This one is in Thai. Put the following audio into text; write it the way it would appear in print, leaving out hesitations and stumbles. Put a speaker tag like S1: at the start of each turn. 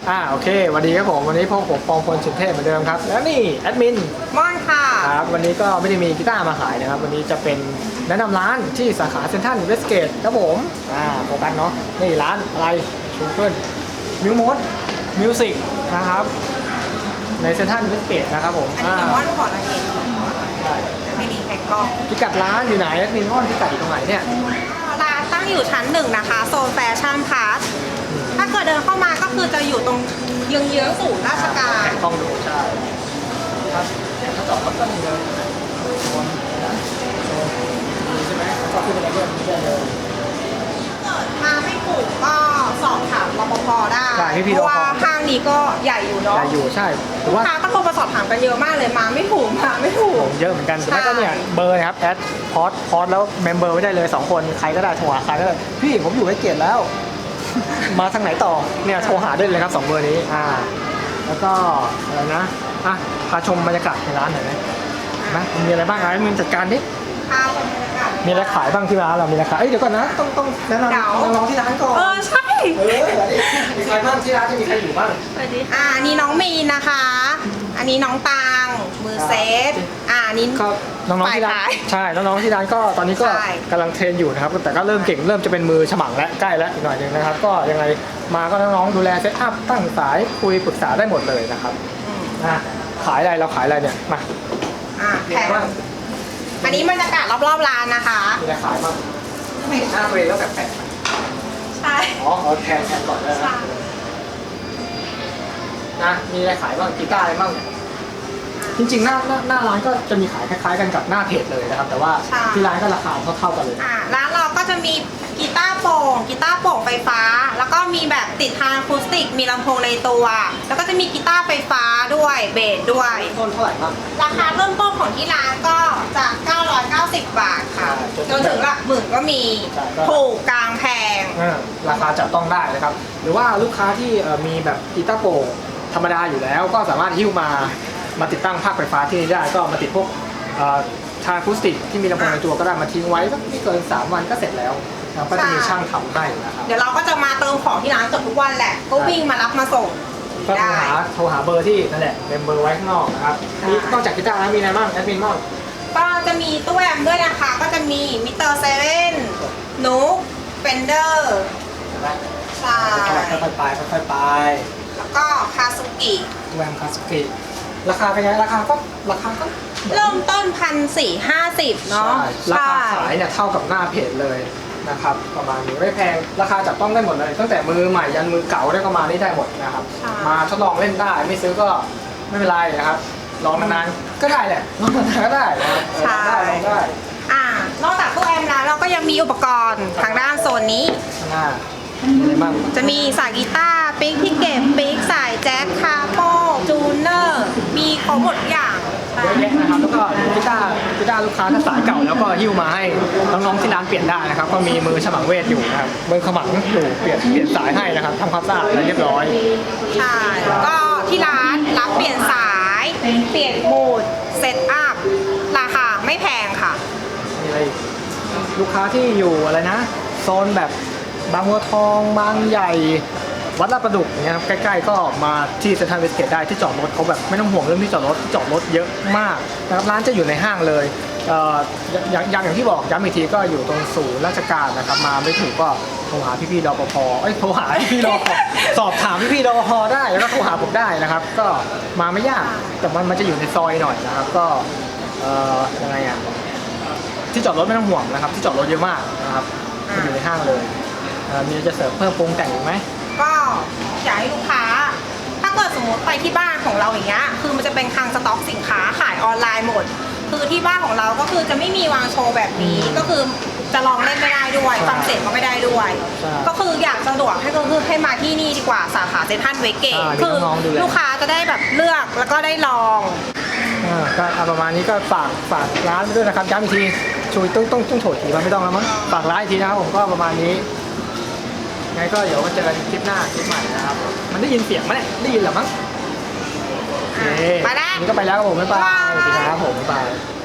S1: โอเควันดีครับผมวันนี้พวกผมปองพลสุนเทพเหมือนเดิมครับแล้วนี่แอดมิน
S2: ม่อนค่ะ
S1: ครับวันนี้ก็ไม่ได้มีกีตาร์มาขายนะครับวันนี้จะเป็นแนะนำร้านที่สาขาเซ็นทรัลเวสเกตครับผมโฟกัสเนาะนี่ร้านอะไรชูเกิลมิวมดมิวสิกนะครับในเซ็นทรัลเวสเกตนะครับผม
S2: อันนี้ม่อนขอละเอียดไม่ดีแข่งกล้อง
S1: พิกัดร้านอยู่ไหนแอดมินม่อนพิกัดอยู่ตรงไหนเนี่ย
S2: ร้านตั้งอยู่ชั้น1นะคะโซนแฟชั่นพาร์ทถ้าเกิดเดินเข้ามาก็คือจะอยู่ตรงเยื้องๆศูนย์ราชการ
S1: แข่งกล้องดูใช่ครับถ้าจอดรถก็มีเลยใช่ไหมก็ขึ้นไปได้เลยเดิน
S2: มาไม่ถูกก็สอบถามรปภได้เพราะว่าห้างนี้ก็ใหญ่อยู่เนาะ
S1: ใหญ่อยู่ใช่
S2: ลูกค้าก็โทรมาสอบถามกันเยอะมากเลยมาไม่ถูก
S1: เยอะเหมือนกันแต่ก็เนี่ยเบอร์นะครับแอดพอสแล้วเมมเบอร์ไว้ได้เลย2คนใครก็ได้โทรหาใครก็ได้พี่ผมอยู่ไว้เกียรติแล้วมาทางไหนต่อเนี่ยโทรหาได้เลยครับ2เบอร์นี้แล้วก็อะไรนะพาชมบรรยากาศในร้านหน่อยไหมมีอะไรบ้างมึงจัดการดิมีอะไรขายบ้างที่ร้านเรามีอะไรขายเดี๋ยวก่อนนะต้องแนะนำน้องที่ร้านก่อน
S2: ใช่
S1: มีใครบ้างที่ร้านจะมีใครอยู่บ้าง
S2: นี่น้องมีนนะคะอันนี้น้องตังมือเซตนี่
S1: น้องๆที่ร้านใช่น้องๆที่ร้านก็ตอนนี้ก็กำลังเทรนอยู่นะครับแต่ก็เริ่มเก่งเริ่มจะเป็นมือฉมังและใกล้แล้วอีกหน่อยนึงนะครับก็ยังไงมาก็น้องๆดูแลเซตอัพตั้งสายคุยปรึกษาได้หมดเลยนะครับขายอะไรเราขายอะไรเนี่ยมา
S2: แพงอันนี้บรรยากาศรอบๆร้านนะคะ
S1: มีอะไรขายบ้างไม่เห็นหน้าเลยแล้วแบบแปลก
S2: ใช่
S1: แทนก่อนเลยนะมีอะไรขายบ้างกีตาร์อะไรบ้างจริงๆหน้าร้านก็จะมีขายคล้ายๆกันกับหน้าเพจเลยนะครับแต่ว่าที่ร้านก็ราคาเท่ากันเลย
S2: ร้านเราก็จะมีกีตาร์โปร่งไฟฟ้าแล้วก็มีแบบติดทางอะคูสติกมีลำโพงในตัวแล้วก็จะมีกีตาร์ไฟฟ้าด้วยเบสด้วย
S1: ต้นเท่าไหร่บ้าง
S2: ราคาเริ่มต้นของที่ร้านก็จาก990 บาทค่ะจนถึงหลักหมื่นก็มีถูกกลางแพง
S1: ราคาจับต้องได้นะครับหรือว่าลูกค้าที่มีแบบกีตาร์โปร่งธรรมดาอยู่แล้วก็สามารถหิ้วมาติดตั้งภาคไฟฟ้าที่นี่ได้ก็มาติดพวกทางอะคูสติกที่มีลำโพงในตัวก็ได้มาทิ้งไว้สักไม่เกิน3 วันก็เสร็จแล้วก็จะมีช่างทำให้นะครับ
S2: เดี๋ยวเราก็จะมาเติมของที่ร้านเกือบทุกวันแหละก็วิ่งมารับมาส่ง
S1: ก็โทรหาเบอร์ที่นั่นแหละเบอร์ไว้ข้างนอกนะครับนอกจากกีตาร์แล้วมีอะไรบ้างแอดมินบ้าง
S2: ก็จะมีตู้แอมด้วยนะคะก็จะมีมิเตอร์เซเว่นนุ๊กเฟนเดอร์ใช่
S1: ค่อยๆไป
S2: แล้วก็คาซุกิ
S1: แวมคาซุกิราคาเป็นไงราคาก็
S2: เริ่มต้น1,450เนาะ
S1: ราคาขายเนี่ยเท่ากับหน้าเพจเลยนะครับประมาณนี้ไม่แพงราคาจับต้องได้หมดเลยตั้งแต่มือใหม่ยันมือเก่าได้ประมาณนี้ได้หมดนะครับมาทดลองเล่นได้ไม่ซื้อก็ไม่เป็นไรนะครับลองนานๆก็ได้แหละลองนานๆก็ได้นะครับได้
S2: นอกจากตู้แอมแล้วเราก็ยังมีอุปกรณ์ทางด้านโซนนี้จะมีสายกีตาร์ปิกที่เก็บปิกสายแจ็คคาโปจูเนอร์มีครบหมดอย่าง
S1: เยอะแยะนะครับแล้วก็กีตาร์ลูกค้าถ้าสายเก่าแล้วก็หิ้วมาให้น้องๆที่ร้านเปลี่ยนได้นะครับก็มีมือฉมังเวทอยู่นะครับมือขมังอยู่เปลี่ยนสายให้นะครับทำความสะอาดอะไรเรียบร้อย
S2: ใช่ก็ที่ร้านรับเปลี่ยนสายเปลี่ยนโหมดเซตอัพราคาไม่แพงค่ะ
S1: มีอะไรลูกค้าที่อยู่อะไรนะโซนแบบบางบัวทองบางใหญ่วัดลาดประดุกเนี่ยครับใกล้ๆก็มาที่เซ็นทรัลเวสเกตได้ที่จอดรถเขาแบบไม่ต้องห่วงเรื่องที่จอดรถเยอะมากนะครับร้านจะอยู่ในห้างเลยอย่างที่บอกย้ำอีกทีก็อยู่ตรงศูนย์ราชการนะครับมาไม่ถูกก็โทรหาพี่ๆรปภโทรหาพี่ๆรปภสอบถามพี่ๆรปภได้แล้วก็โทรหาผมได้นะครับก็มาไม่ยากแต่มันจะอยู่ในซอยหน่อยนะครับก็ยังไงที่จอดรถไม่ต้องห่วงนะครับที่จอดรถเยอะมากนะครับอยู่ในห้างเลยมีจะเสริมเพิ่มปรุงแต่งอีกไหม
S2: ก็อยากให้ลูกค้าถ้าเกิดสมมติไปที่บ้านของเราอย่างเงี้ยคือมันจะเป็นคลังสต็อกสินค้าขายออนไลน์หมดคือที่บ้านของเราก็คือจะไม่มีวางโชว์แบบนี้ก็คือจะลองเล่นไม่ได้ด้วยฟังเสียงก็ไม่ได้ด้วยก็คืออยากสะดวกให้มาที่นี่ดีกว่าสาขาเซ็นทรัลเวสเกตคือลูกค้าจะได้แบบเลือกแล้วก็ได้ลอง
S1: ก็ประมาณนี้ก็ฝากร้านด้วยนะครับย้ำอีกทีช่วยต้องโฉดทีไม่ต้องแล้วมั้งฝากร้านอีกทีนะครับผมก็ประมาณนี้ไงก็เดี๋ยวมาเจอกันคลิปหน้าคลิปใหม่นะครับมันได้ยินเสียงไหมได้ยินหรือมั้ง
S2: ไปแล้ว
S1: นี่ก็ไปแล้วครับผมบ๊ายบายสวัสดีครับผมบ๊ายบาย